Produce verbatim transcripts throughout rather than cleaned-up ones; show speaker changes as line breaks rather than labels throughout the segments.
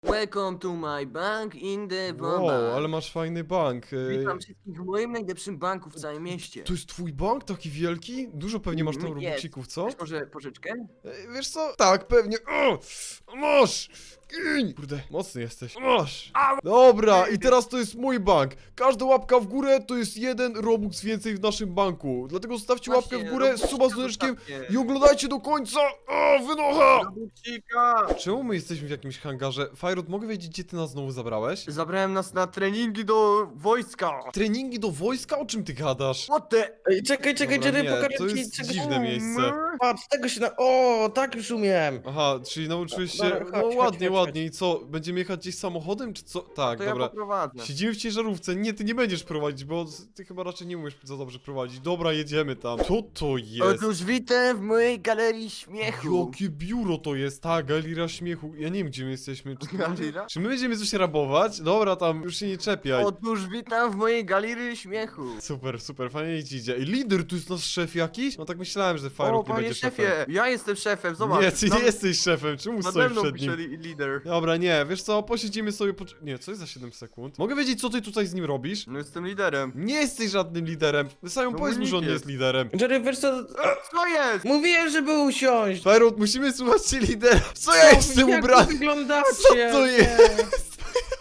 Welcome to my bank in the
Wow,
Wamba.
ale masz fajny bank. Ej,
Witam wszystkich w moim najlepszym banku w całym mieście.
to jest twój bank? Taki wielki? Dużo pewnie masz tam
Mm,
robuxików, co?
Chcesz może pożyczkę?
Ej, wiesz co? Tak, pewnie. O! Masz! Gin! Kurde, mocny jesteś. Masz! Dobra, i teraz to jest mój bank. Każda łapka w górę to jest jeden robux więcej w naszym banku. Dlatego zostawcie łapkę w
Właśnie,
górę,
robuxika
suba z dzwoneczkiem
zostawcie.
i oglądajcie do końca. O, wynocha!
Robuxika!
Czemu my jesteśmy w jakimś hangarze? Fajrod, mogę wiedzieć, gdzie ty nas znowu zabrałeś?
Zabrałem nas na treningi do wojska.
Treningi do wojska? O czym ty gadasz?
What the?
Ej, czekaj, czekaj,
Dobra,
Jerry,
nie,
pokażę
to
ci
jest
czegoś.
dziwne miejsce.
Patrz, tego się na... O, tak już umiem.
Aha, czyli nauczyłeś się.
Dobra, chodź,
No
chodź,
ładnie,
chodź,
ładnie. I co? Będziemy jechać gdzieś samochodem, czy co? Tak,
To ja
dobra.
poprowadzę.
Siedzimy w ciężarówce. Nie, ty nie będziesz prowadzić, bo ty chyba raczej nie umiesz za dobrze prowadzić. Dobra, jedziemy tam. Co to jest?
Otóż witam w mojej galerii śmiechu.
Jakie biuro to jest? Ta galeria śmiechu. Ja nie wiem, gdzie my jesteśmy. Czy,
Galeria?
czy my będziemy coś rabować? Dobra, tam już się nie czepiaj.
Otóż witam w mojej galerii śmiechu.
Super, super, fajnie ci idzie. I lider, tu jest nasz szef jakiś? No tak myślałem, że
O,
Firewall nie
panie
będzie
szefie,
szefem.
ja jestem szefem, zobacz.
Nie, ty
Tam
nie jesteś szefem, czemu
Nade
stoisz
mną
przed
pisze
nim?
li- lider.
Dobra, nie, wiesz co, posiedzimy sobie po... Nie, co jest za siedem sekund? Mogę wiedzieć, co ty tutaj z nim robisz?
No jestem liderem.
Nie jesteś żadnym liderem. Simon,
No
powiedz mu, że on nie
jest.
jest liderem.
Jerry, wiesz co?
Co jest?
Mówiłem, żeby usiąść.
Firewall, musimy słuchać się lidera. Co ja jestem
Jak
ubrany?
wy wyglądacie?
Co to
Nie.
jest?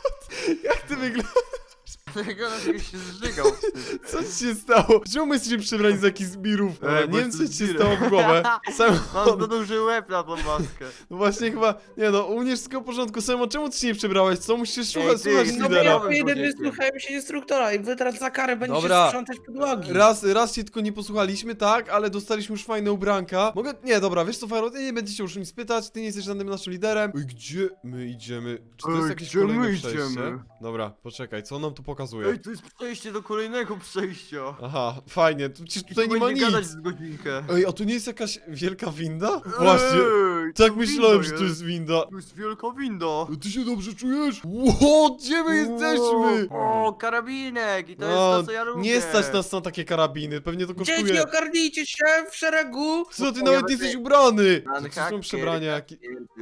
Jak ty wyglądasz?
Tego na się zżygał.
Co ci się stało? Czemu my jesteśmy przebrani za jakichś zbirów?
Ej, bo
nie wiem, co
jestem
ci się
zbirem.
stało w głowę.
Mam
Simon,
za duży łeb na tą maskę.
no właśnie chyba... Nie no, u mnie wszystko w porządku. Simon, czemu ty się nie przebrałeś? Co? Musisz słuchać,
ty,
słuchać
no
No bo
lidera.
ja
Liderowym
po jeden
człowiekiem.
wysłuchałem się instruktora i wy teraz za karę będziecie
Dobra.
sprzątać podłogi.
Raz, raz się tylko nie posłuchaliśmy, tak, ale dostaliśmy już fajne ubranka. Mogę... Nie, dobra, wiesz co, Firewall, ty nie będziecie już nic pytać, ty nie jesteś żadnym naszym liderem. Ej, gdzie my idziemy? Czy to jest
Ej,
jakieś
gdzie
kolejne
my
przejście?
idziemy?
Dobra, poczekaj, co on nam tu pokazuje?
Ej, to jest przejście do kolejnego przejścia.
Aha, fajnie, tu, przecież tutaj
I
nie
tu
ma
będzie gadać
nic.
z godzinkę.
Ej, a tu nie jest jakaś wielka winda? Właśnie,
Ej,
tak
to
myślałem,
winda
że to jest winda.
To jest wielka winda.
Ty się dobrze czujesz? Ło, gdzie my jesteśmy?
O, karabinek i to jest
A,
to, co ja lubię.
nie stać nas na takie karabiny, pewnie to
Dzieci,
kosztuje.
ogarnijcie się w szeregu.
Co, ty
O,
nawet
ja
nie jesteś
będę-
ubrany?
Pan
To są
haker,
przebrania jakie...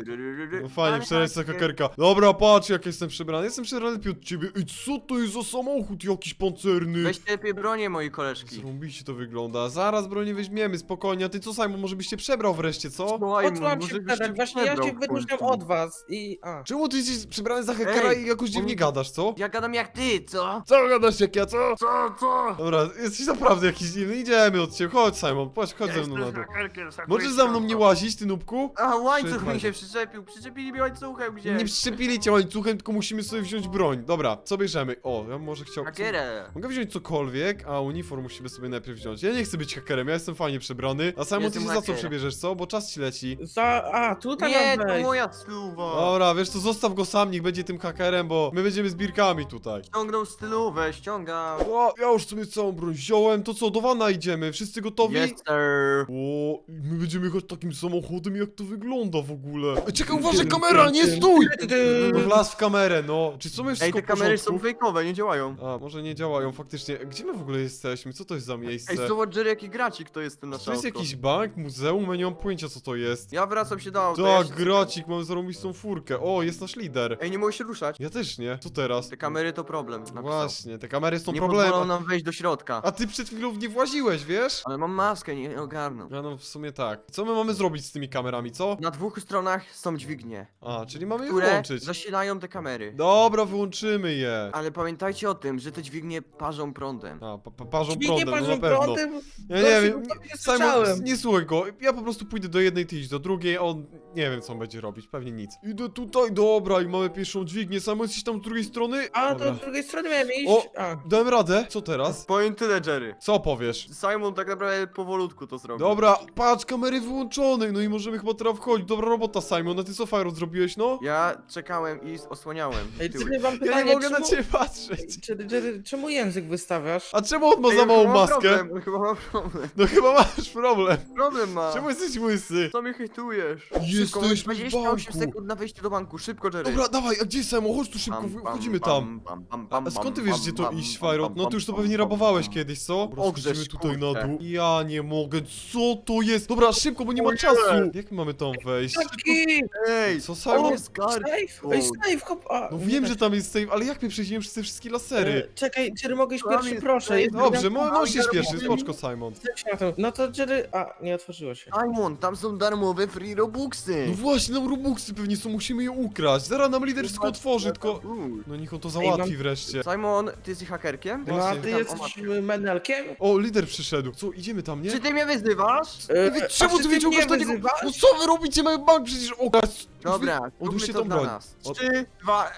No
Pan
fajnie, przebrać za
haker.
hakerka. Dobra, patrz jak jestem przebrany. Jestem przebrany lepiej od ciebie. Ej, co to jest za samochód jakiś pancerny?
Weź lepiej bronię, moi koleżki.
Zrąbiście to wygląda. Zaraz bronię weźmiemy, spokojnie. A ty co, Simon, może byś się przebrał wreszcie, co?
Słuchaj,
Odłam
może
się
byś
wtedy, właśnie ja się
przebrał w
wyróżniam
końcu.
od was i... A.
Czemu ty jesteś przebrany za hakera
Ej,
i jakoś dziwnie
on-
gadasz, co?
Ja gadam jak ty, co?
Co gadasz jak ja, co?
Co, co?
Dobra, jesteś naprawdę jakiś dziwny. Idziemy od ciebie. Chodź, Simon, chodź, chodź ze mną na dół. Możesz za mną nie łazić, ty nubku?
A, łańcuch
Trzymaj
mi
się.
się przyczepił. Przyczepili mi łańcuchem gdzieś.
Nie przyczepili cię łańcuchem, tylko musimy sobie wziąć broń. Dobra, co bierzemy? O, ja może chciał...
Hakierę.
Mogę wziąć cokolwiek, a uniform musimy sobie najpierw wziąć. Ja nie chcę być hakerem, ja jestem fajnie przebrany. A Simon, ty
Jestem
się za co
hakerem.
przebierzesz, co? Bo czas ci leci.
Za... A, tutaj
Nie,
mam
to
wejść.
moja stylówa.
Dobra, wiesz co, zostaw go sam, niech będzie tym hakerem, bo my będziemy zbirkami tutaj.
Ściągnął stylówę, ściągam.
O, ja już sobie całą broń wziąłem, to co, do wana idziemy, wszyscy gotowi?
Yes, sir.
O, my będziemy jechać takim samochodem, jak to wygląda w ogóle. Ej, czekaj, uważaj, kamera, nie stój! No wlazł w kamerę, no. Czy są jeszcze
Ej,
wszystko
te
w
kamery są
porządku?
fejkowe, nie działają.
A, może nie działają faktycznie. Gdzie my w ogóle jesteśmy? Co to jest za miejsce?
Ej, zobacz, Jerry, jaki gracik to jest ten
Czy
nasz
to jest
auto.
jakiś bank, muzeum? Ja nie mam pojęcia, co to jest.
Ja wracam się do auta. ja
Tak,
się-
gracik, mamy zarąbistą furkę. O, jest nasz lider.
Ej, nie mogę się ruszać.
Ja też nie. Co teraz?
Te kamery to problem. napisał.
Właśnie, te kamery są
Nie
problemem.
pozwolą nam wejść do środka.
A ty przed chwilą w nie właziłeś, wiesz?
Ale mam maskę, nie ogarną.
Ja no w sumie tak. Co my mamy zrobić z tymi kamerami, co?
Na dwóch stronach są dźwignie,
A, czyli mamy je
które
włączyć.
zasilają te kamery.
Dobra, wyłączymy je.
Ale pamiętajcie o tym, że te dźwignie parzą prądem.
A, pa, pa, parzą
Dźwignie
prądem, no na
parzą
pewno.
prądem?
Ja nie
Gościu,
wiem,
no
nie,
to nie
Simon,
słyszałem.
nie słuchaj go. Ja po prostu pójdę do jednej, ty idź do drugiej, a on nie wiem co on będzie robić, pewnie nic. Idę tutaj, dobra, i mamy pierwszą dźwignię. Simon, jesteś tam z drugiej strony?
A, to
Dobra.
z drugiej strony miałem iść.
O,
A.
dałem radę. Co teraz?
Powiem tyle, Jerry.
Co powiesz?
Simon tak naprawdę powolutku to zrobił.
Dobra, patrz, kamery wyłączone, no i możemy chyba teraz wchodzić. Dobra robota, Simon, a ty co, Fajro, zrobiłeś, no?
Ja czekałem i osłaniałem
Ej,
tyły.
ty mam
Ja
pytanie,
nie mogę na
czemu-
ciebie patrzeć.
Jerry, Jerry, czemu język wystawiasz?
A czemu on ma
Ej,
za
on
małą
chyba ma
maskę?
Problem, on chyba ma problem.
No chyba masz problem.
Problem ma.
Czemu jesteś łysy?
Co mnie hejtujesz?
Jesteśmy
Szybko, masz
w
dwadzieścia osiem
banku.
sekund na wejście do banku. Szybko, Jerry.
Dobra, dawaj, a gdzie jest Samo? Chodź tu szybko,
Pam, pam,
wchodzimy
pam,
tam.
pam, pam,
A,
pam,
a skąd ty
pam,
wiesz,
pam,
gdzie to
pam,
iść,
pam,
Fajrot?
pam,
No
pam,
ty już to
pam,
pewnie
pam,
rabowałeś
pam.
kiedyś, co? Dobra,
Ogrzesz,
schodzimy tutaj na
kurczę.
dół. Ja nie mogę, co to jest? Dobra, szybko, bo nie ma
Ojej.
czasu. Jak my mamy tam wejść?
Taki!
Ej,
Co,
to
Simon?
jest skarb.
Safe! Ej, safe, hop! A,
No
nie
wiem,
da
że
się.
tam jest safe, ale jak my przejdziemy przez te wszystkie lasery?
E, Czekaj, Jerry, mogę iść
Tam
pierwszy,
jest
proszę.
safe.
Jest
Dobrze,
darmowy-
mo możesz iść pierwszy,
darmowy.
spoczko, Simon.
Zejdź na to. No to Jerry... A, nie otworzyło się.
Simon, tam są darmowe free robuxy.
No właśnie, nam Robuxy pewnie są, musimy je ukraść. Zaraz nam lider wszystko otworzy, tylko...
Uj.
No niech on to
Ej,
załatwi
mam-
wreszcie.
Simon, ty jesteś hakerkiem?
No a
Właśnie.
ty
Tam, o
jesteś
matko.
menelkiem?
O, lider przyszedł. Co, idziemy tam, nie?
Czy ty mnie wyzywasz?
E,
Wy-
a
Czemu
czy
ty
mnie
wyciągasz do niego?
wyzywasz?
No co wy robicie? Mamy bank przecież okraść.
Dobra,
Odłóż
róbmy
się
to
tą
dla
broń.
nas.
Od-
Trzy, dwa...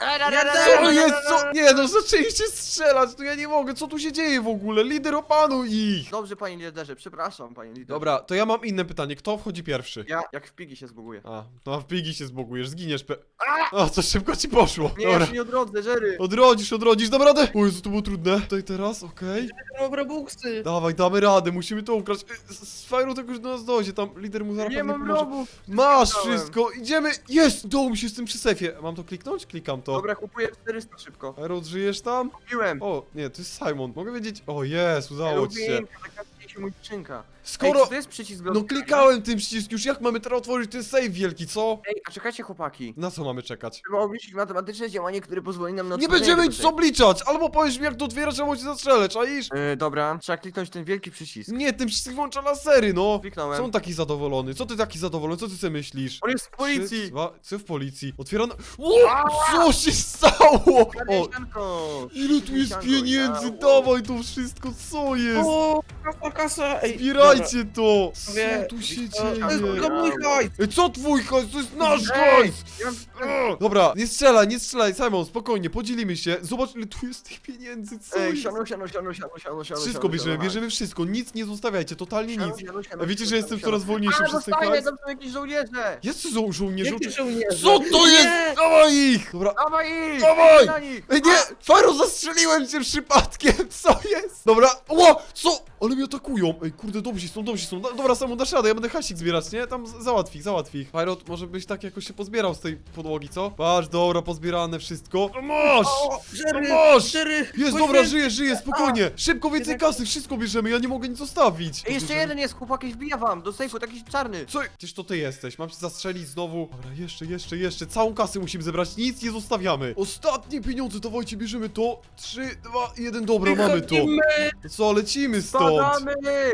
Co jest? Co? Nie, no zaczęliście strzelać, no ja nie mogę, co tu się dzieje w ogóle? Lider, opanuj ich!
Dobrze, panie liderze, przepraszam, panie liderze.
Dobra, to ja mam inne pytanie, kto wchodzi pierwszy?
Ja jak w pigi się zbuguję.
A, no a w pigi się zbogujesz, zginiesz pe... O, co szybko ci poszło.
Nie, ja
Dobra.
się nie odrodzę, Jerry.
Odrodzisz, odrodzisz, dam radę! O Jezu, to było trudne. Tutaj teraz, okej.
Mam robuxy.
Dawaj, damy radę, musimy to ukraść. Y, Z z Fajru to już do nas dojdzie, tam lider mu zaraz
Nie
pewnie
mam
pomoże.
robów.
Masz
Kliknąłem.
wszystko, idziemy! Jest! Udało mi się z tym przy sefie. Mam to kliknąć? Klikam to.
Dobra, kupuję czterysta szybko.
Fajru, żyjesz tam?
Kupiłem.
O, nie, to jest Simon. Mogę wiedzieć? O, jest, udało ci się.
Lubinka, taka się mój skrzynka.
Skoro...
Ej, czy to jest przycisk do
No
otwierania?
klikałem tym przycisk już, jak mamy teraz otworzyć ten save wielki, co?
Ej, a czekajcie chłopaki.
Na co mamy czekać?
Trzeba obliczyć matematyczne działanie, które pozwoli nam na
Nie
otworzenie
będziemy
tego
nic obliczać! Albo powiesz mi jak to otwierasz, albo cię zastrzelę, czaisz?
Yy, dobra, trzeba kliknąć ten wielki przycisk.
Nie, ten przycisk włącza lasery, no!
Kliknąłem.
Co on taki zadowolony? Co ty taki zadowolony? Co ty sobie myślisz?
On jest w
Trzy,
policji!
dwa, co w policji? Otwierano... O, co się stało? O,
Karniesianko!
ile tu jest
Karniesianko,
pieniędzy?
ja-
Dawaj to wszystko, co jest?
O, kasa, kasa. Ej,
Zbierajcie to!
Wie-
Co tu się
To jest
dzieje?
tylko mój hajs.
Ej, co twój hajs? To jest nasz
Ej!
hajs!
Ja-
O, dobra, nie strzelaj, nie strzelaj, Simon, spokojnie, podzielimy się. Zobacz, ile tu jest tych pieniędzy, co
Ej,
jest?
siano, siano, siano, siano, siano, siano.
Wszystko
siano,
bierzemy,
siano,
bierzemy wszystko, nic nie zostawiajcie, totalnie
siano,
nic.
siano, siano,
A wiecie, że
siano,
jestem
siano.
coraz wolniejszy
A,
przez ten
zostaje,
hajs?
tam są jakieś żołnierze!
Jest żo żołnierze.
Jakie żołnierze?
Co to
Nie!
jest? Dawaj ich! Dobra.
Dawaj ich!
Dawaj!
Na nich!
Ej, nie! Faro, zastrzeliłem cię przypadkiem! Co jest? Dobra, ło! Co? Ale mnie atakują! Ej, kurde, dobrzy są, dobrzy są. Da- Dobra, Samu, dasz radę, ja będę hasik zbierać, nie? Tam z- załatw ich, załatw ich. Fajrot, może byś tak jakoś się pozbierał z tej podłogi, co? Patrz, dobra, pozbierane wszystko. No masz!
O, Jerry,
No masz!
Jerry,
Jest,
poświęć-
dobra, żyję, żyję, spokojnie! Szybko, więcej kasy, wszystko bierzemy, ja nie mogę nic zostawić.
Ej, jeszcze
Bierzemy-
jeden jest, chłopaki, wbija wam do sejfu, taki czarny.
Co? Gdzież to ty jesteś? Mam się zastrzelić znowu. Dobra, jeszcze, jeszcze, jeszcze. Całą kasę musimy zebrać, nic nie zostawiamy. Ostatnie pieniądze, dawajcie, bierzemy to. Trzy, dwa, jeden, dobra, mamy to.
Wychodzimy.
No co, lecimy stąd.
Spadamy!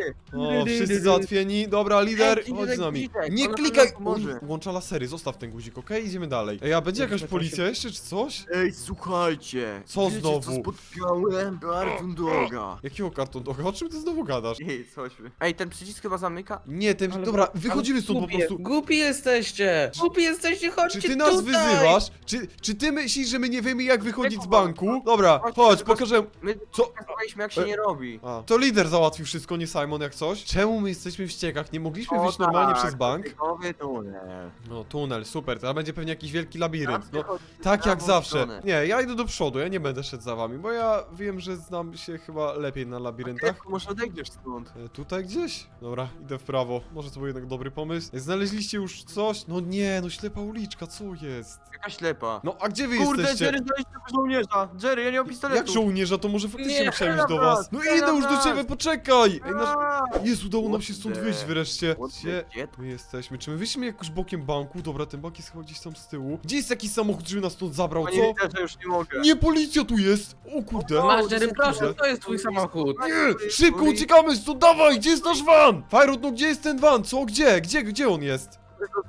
O, wszyscy załatwieni. Dobra, lider,
Ej,
chodź z nami.
guzik,
Nie
on
klikaj!
nam pomoże.
On włącza lasery, zostaw ten guzik, okej? Idziemy dalej. Ej, a będzie jakaś policja jeszcze, czy coś?
Ej, słuchajcie.
Co
wiecie,
znowu?
co spotkałem? Kartun doga.
Jakiego karton doga? O czym ty znowu gadasz?
Ej, chodźmy. Ej, ten przycisk chyba zamyka?
Nie, ten...
Ale-
Dobra,
ale
wychodzimy stąd po
głupie,
prostu.
Głupi jesteście! Głupi jesteście, chodźcie
Czy ty nas
tutaj!
wyzywasz? Czy, czy ty myślisz, że my nie wiemy jak wychodzić z
Nie,
banku? Dobra,
chodź,
chodź,
chodź.
pokażę.
My
Co?
pokazywaliśmy jak się
E-
nie robi.
A, to lider załatwił wszystko, nie Simon jak coś. Czemu my jesteśmy w ściekach? Nie mogliśmy
O,
wyjść normalnie
tak,
przez bank?
typowy tunel.
No, tunel, super, teraz będzie pewnie jakiś wielki labirynt. No,
Zawsze
tak
chodzi
jak
w
zawsze.
stronę.
Nie, ja idę do przodu, ja nie będę szedł za wami, bo ja wiem, że znam się chyba lepiej na labiryntach.
Tylko może odejdziesz stąd.
E, Tutaj gdzieś? Dobra, idę w prawo. Może to był jednak dobry pomysł. E, Znaleźliście już coś? No nie, no ślepa uliczka, co jest?
Jaka ślepa.
No, a gdzie wy
Kurde,
jesteście?
Jerry, znaleźliśmy żołnierza. Jerry, ja nie mam pistoletu.
Jak żołnierza, to może faktycznie
Nie,
musiałem iść do
teraz,
was. No
teraz.
idę już do ciebie, poczekaj! Ej, nasz...
Aaa!
Jest, udało nam się stąd
Kurde.
wyjść wreszcie.
What the
Gdzie
shit?
my jesteśmy? Czy my wyszliśmy jakoś bokiem banku? Dobra, ten bank jest chyba gdzieś tam z tyłu. Gdzie jest jakiś samochód, żeby nas stąd zabrał,
Panie
co?
liderze, już nie mogę.
Nie, policja tu jest! O kurde!
O,
Masz, Jerry,
co
proszę,
kurde.
to jest twój samochód.
Nie! Szybko uciekamy stąd, dawaj! Gdzie jest nasz van? Fajrut, no gdzie jest ten van? Co? Gdzie? Gdzie? Gdzie on jest?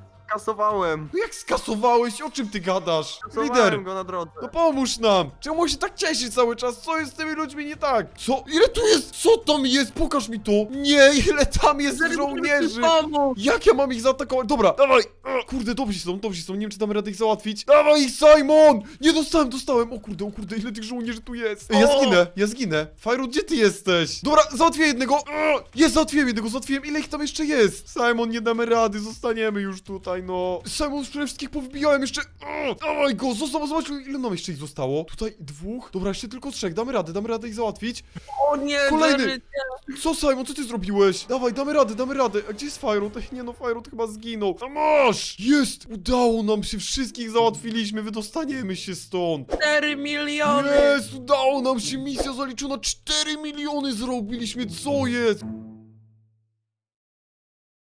Kasowałem.
No jak skasowałeś? O czym ty gadasz?
Kasowałem
Lider!
go na drodze.
No pomóż nam! Czemu on się tak cieszy cały czas? Co jest z tymi ludźmi nie tak? Co? Ile tu jest? Co tam jest? Pokaż mi to! Nie, ile tam jest żołnierzy! Jak ja mam ich zaatakować? Dobra, dawaj! O, kurde, dobrzy są, dobrzy są, nie wiem czy damy radę ich załatwić. Dawaj ich, Simon! Nie dostałem, dostałem! O kurde, o kurde, ile tych żołnierzy tu jest? Ej, ja
O!
zginę, ja zginę. Fajru, gdzie ty jesteś? Dobra, załatwię jednego! O, jest, załatwiłem jednego, załatwiłem. Ile ich tam jeszcze jest? Simon, nie damy rady, zostaniemy już tutaj, no. Simon, przede wszystkich powbijałem jeszcze. O, dawaj go, został, zobacz, ile nam jeszcze ich zostało. Tutaj dwóch. Dobra, jeszcze tylko trzech. Damy radę, damy radę ich załatwić.
O nie,
Kolejny.
Jerry,
Co, Simon, co ty zrobiłeś? Dawaj, damy radę, damy radę. A gdzie jest Firut? Ej, nie no, Firut chyba zginął. A masz! Jest! Udało nam się, wszystkich załatwiliśmy, wydostaniemy się stąd.
cztery miliony!
Jest! Udało nam się, misja zaliczona, cztery miliony zrobiliśmy, co jest?